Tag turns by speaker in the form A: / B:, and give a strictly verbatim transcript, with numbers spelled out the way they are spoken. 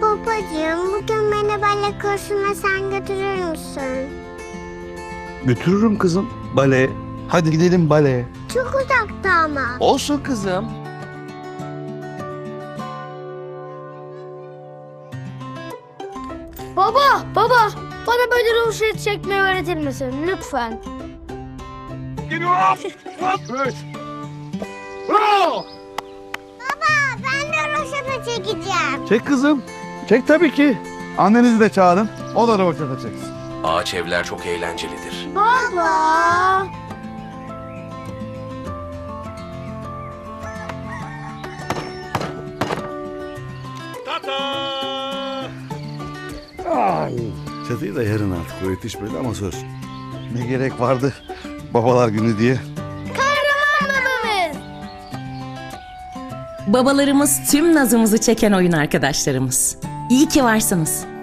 A: Babacığım, bugün beni bale kursuna sen götürür müsün?
B: Götürürüm kızım. Bale. Hadi gidelim baleye.
A: Çok uzakta ama.
B: Olsun kızım.
C: Baba, baba, bana böyle ruhsat çekmeyi öğretir misin lütfen?
A: Baba, ben de roşata çekeceğim.
B: Çek kızım. Çek tabii ki. Annenizi de çağırın. O da roboşata çeksin.
D: Ağaç evler çok eğlencelidir.
C: Baba.
E: Çatıyı da yarın artık o yetişmedi ama söz.
B: Ne gerek vardı babalar günü diye.
F: Babalarımız tüm nazımızı çeken oyun arkadaşlarımız. İyi ki varsınız.